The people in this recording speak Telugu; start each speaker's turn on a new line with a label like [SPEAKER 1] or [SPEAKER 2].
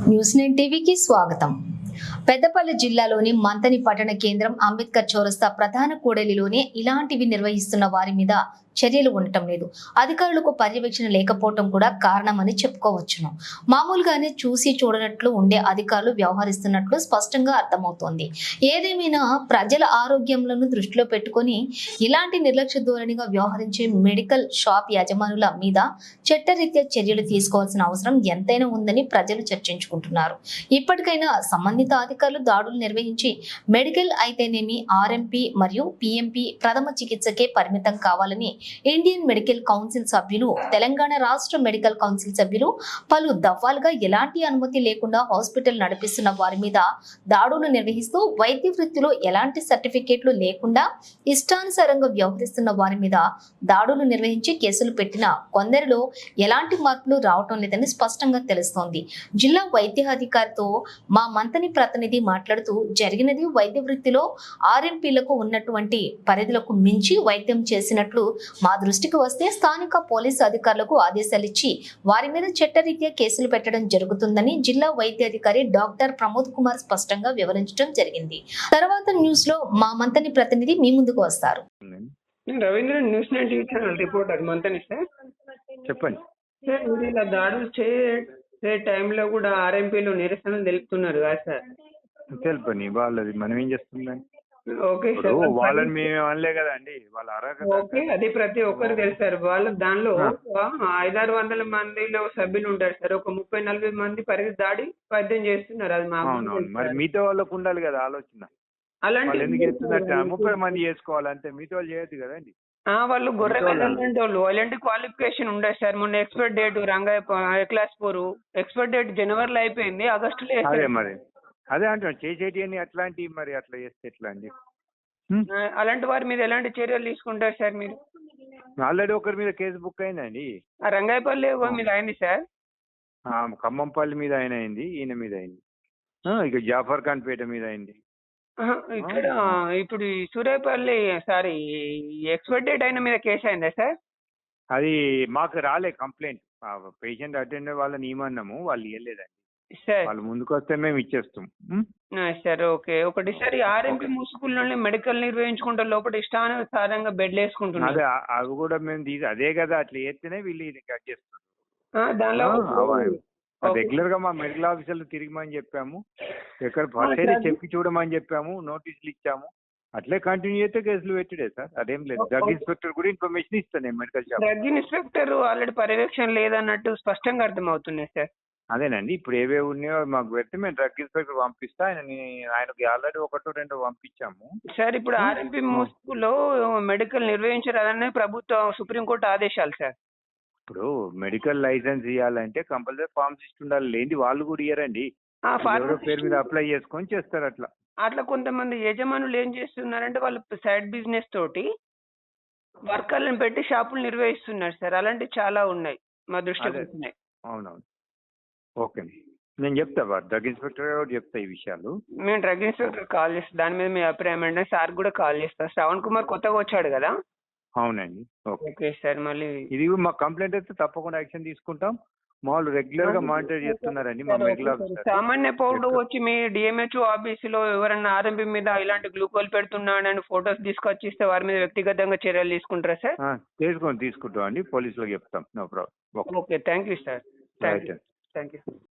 [SPEAKER 1] న్యూస్9 టీవీకి స్వాగతం. పెద్దపల్లి జిల్లాలోని మంతని పట్టణ కేంద్రం అంబేద్కర్ చౌరస్తా ప్రధాన కూడలిలోనే ఇలాంటివి నిర్వహిస్తున్న వారి మీద చర్యలు ఉండటం లేదు. అధికారులకు పర్యవేక్షణ లేకపోవటం కూడా కారణమని చెప్పుకోవచ్చును. మామూలుగానే చూసి చూడనట్లు ఉండే అధికారులు వ్యవహరిస్తున్నట్లు స్పష్టంగా అర్థమవుతోంది. ఏదేమైనా ప్రజల ఆరోగ్యంలను దృష్టిలో పెట్టుకొని ఇలాంటి నిర్లక్ష్య ధోరణిగా వ్యవహరించే మెడికల్ షాప్ యజమానుల మీద చట్టరీత్యా చర్యలు తీసుకోవాల్సిన అవసరం ఎంతైనా ఉందని ప్రజలు చర్చించుకుంటున్నారు. ఇప్పటికైనా సంబంధిత అధికారులు దాడులు నిర్వహించి మెడికల్ అయితేనేమి ఆర్ఎంపీ మరియు పిఎంపీ ప్రథమ చికిత్సకే పరిమితం కావాలని ఇండియన్ మెడికల్ కౌన్సిల్ సభ్యులు, తెలంగాణ రాష్ట్ర మెడికల్ కౌన్సిల్ సభ్యులు పలు దఫాలుగా ఎలాంటి అనుమతి లేకుండా హాస్పిటల్ నడిపిస్తున్న వారి మీద దాడులు నిర్వహిస్తూ వైద్య వృత్తిలో ఎలాంటి సర్టిఫికేట్లు లేకుండా ఇష్టానుసారంగా వ్యవహరిస్తున్న వారి మీద దాడులు నిర్వహించి కేసులు పెట్టిన కొందరిలో ఎలాంటి మార్పులు రావటం లేదని స్పష్టంగా తెలుస్తోంది. జిల్లా వైద్యాధికారితో మా మంతని ప్రతినిధి మాట్లాడుతూ జరిగినది వైద్య వృత్తిలో ఆర్ఎంపీలకు ఉన్నటువంటి పరిధులకు మించి వైద్యం చేసినట్లు మా దృష్టికి వస్తే స్థానిక పోలీసు అధికారులకు ఆదేశాలు ఇచ్చి వారి మీద చట్టరీత్యా కేసులు పెట్టడం జరుగుతుందని జిల్లా వైద్యాధికారి డాక్టర్ ప్రమోద్ కుమార్ స్పష్టంగా వివరించడం జరిగింది. తర్వాత న్యూస్ లో మా మంతని ప్రతినిధి మీ ముందుకు వస్తారు.
[SPEAKER 2] Ravindra news nine TV channel reporter Manthani sir.
[SPEAKER 3] చెప్పండి
[SPEAKER 2] సార్, మీరు ఇలా దాడులు చేసే టైంలో కూడా ఆర్ఎంపీలు నిరసనలు తెలుపుతున్నారు కదా సార్?
[SPEAKER 3] తెలుపని వాళ్ళది మనం ఏం చేస్తుందని.
[SPEAKER 2] ఓకే సార్,
[SPEAKER 3] వాళ్ళని మేము అనలే కదా అండి, వాళ్ళ
[SPEAKER 2] ఓకే, అది ప్రతి ఒక్కరు తెలుసు సార్. వాళ్ళు దానిలో 500-600 మందిలో సభ్యులు ఉంటారు సార్. ఒక 30-40 మంది పరిధి దాడి వైద్యం చేస్తున్నారు. అది మా
[SPEAKER 3] మరి మిగతా వాళ్ళకు ఉండాలి కదా ఆలోచన.
[SPEAKER 2] అలాంటి
[SPEAKER 3] ఎందుకు చేస్తున్నట్టు 30 మంది చేసుకోవాలంటే మిగతా వాళ్ళు చేయొద్దు కదండి.
[SPEAKER 2] వాళ్ళు గొర్రె వెళ్ళాలంటే వాళ్ళు అలాంటి క్వాలిఫికేషన్ ఉండదు సార్. మొన్న expire date Rangaiah class 4 expire date జనవరిలో అయిపోయింది, ఆగస్టులో.
[SPEAKER 3] అదే మరి అదే అంటున్నాను, చేసేటి అని అట్లాంటివి మరి అట్లా చేస్తే ఎట్లా అండి?
[SPEAKER 2] అలాంటి వారి మీద ఎలాంటి చర్యలు తీసుకుంటారు సార్ మీరు?
[SPEAKER 3] ఆల్రెడీ ఒకరి మీద కేసు బుక్ అయిందండి.
[SPEAKER 2] రంగాయపల్లి మీద అయింది సార్.
[SPEAKER 3] ఖమ్మంపల్లి మీద ఆయన అయింది, ఈయన మీద అయింది, ఇక జాఫర్ ఖాన్ పేట మీద అయింది.
[SPEAKER 2] ఇక్కడ ఇప్పుడు సూర్యాపల్లి సారీ ఎక్స్పైర్ డేట్ అయిన మీద కేసు అయిందా సార్?
[SPEAKER 3] అది మాకు రాలే కంప్లైంట్. పేషెంట్ అటెండ్ వాళ్ళని ఇవ్వమన్నాము, వాళ్ళు ఇవ్వలేదండి. వాళ్ళు ముందుకు వస్తే మేము ఇచ్చేస్తాం
[SPEAKER 2] సార్. ఓకే, ఒకటి సార్, ఆర్ఎంపీ ముసుగుల్లోనే మెడికల్ నిర్వహించుకుంటే లోపల ఇష్టానుసారంగా బెడ్లు వేసుకుంటున్నారు.
[SPEAKER 3] అదే అవి కూడా మేము అదే కదా, అట్లా చేస్తేనే వీళ్ళు ఇది కట్ చేస్తారు.
[SPEAKER 2] దానిలో
[SPEAKER 3] రెగ్యులర్ గా మా మెడికల్ ఆఫీసర్లు తిరిగిమని చెప్పాము, ఎక్కడ ఫస్ట్ చెప్పి చూడమని చెప్పాము, నోటీసులు ఇచ్చాము. అట్లే కంటిన్యూ చేస్తే కేసులు పెట్టిడే సార్, అదేం లేదు. డ్రగ్ ఇన్స్పెక్టర్ కూడా ఇన్ఫర్మేషన్ ఇస్తాను medical shop.
[SPEAKER 2] Drug inspector already పర్యవేక్షణ లేదన్నట్టు స్పష్టంగా అర్థమవుతున్నాయి సార్.
[SPEAKER 3] అదేనండి, ఇప్పుడు ఏవేవి ఉన్నాయో మాకు పెడితే మేము డ్రగ్ ఇన్స్పెక్టర్ పంపిస్తా. ఆయనకి ఆల్రెడీ 1-2 పంపించాము
[SPEAKER 2] సార్. ఇప్పుడు ఆర్ఎంపీ ముసుగులో మెడికల్ నిర్వహించారని ప్రభుత్వం సుప్రీంకోర్టు ఆదేశాలు సార్.
[SPEAKER 3] ఇప్పుడు మెడికల్ లైసెన్స్ ఇవ్వాలంటే కంపల్సరీ ఫార్మసిస్ట్ ఉండాలి, లేని వాళ్ళు కూడా ఇయ్యరండి. పేరు మీద అప్లై చేసుకొని చేస్తారు.
[SPEAKER 2] అట్లా కొంతమంది యజమానులు ఏం చేస్తున్నారంటే వాళ్ళు సైడ్ బిజినెస్ తోటి వర్కర్లను పెట్టి షాపులు నిర్వహిస్తున్నారు సార్. అలాంటివి చాలా ఉన్నాయి, మా దృష్టికి వస్తున్నాయి.
[SPEAKER 3] అవునవును, ఓకే, నేను చెప్తా డ్రగ్ ఇన్స్పెక్టర్ చెప్తా ఈ విషయాలు.
[SPEAKER 2] మేము డ్రగ్ ఇన్స్పెక్టర్ కాల్ చేస్తాం, దాని మీద మీ అభిప్రాయం అంటే సార్ కూడా కాల్ చేస్తా. శ్రవణ్ కుమార్ కొత్తగా వచ్చాడు కదా?
[SPEAKER 3] అవునండి,
[SPEAKER 2] ఓకే సార్. మళ్ళీ ఇది
[SPEAKER 3] మా కంప్లైంట్ అయితే తప్పకుండా యాక్షన్ తీసుకుంటాం. మామూలు రెగ్యులర్ గా మానిటర్ చేస్తున్నారండి మా మెడికల్ ఆఫీసర్.
[SPEAKER 2] సామాన్య పౌరుడు వచ్చి మీ డిఎంహెచ్ఓ ఆఫీస్ లో ఎవరన్నా ఆర్ఎంపీ మీద ఇలాంటి గ్లూకోల్ పెడుతున్నాడని ఫోటోస్ తీసుకొచ్చి ఇస్తే వారి మీద వ్యక్తిగతంగా చర్యలు తీసుకుంటారా సార్?
[SPEAKER 3] తీసుకుంటాం అండి, పోలీసులకు చెప్తాం. No problem.
[SPEAKER 2] Okay, thank you sir. Thank you.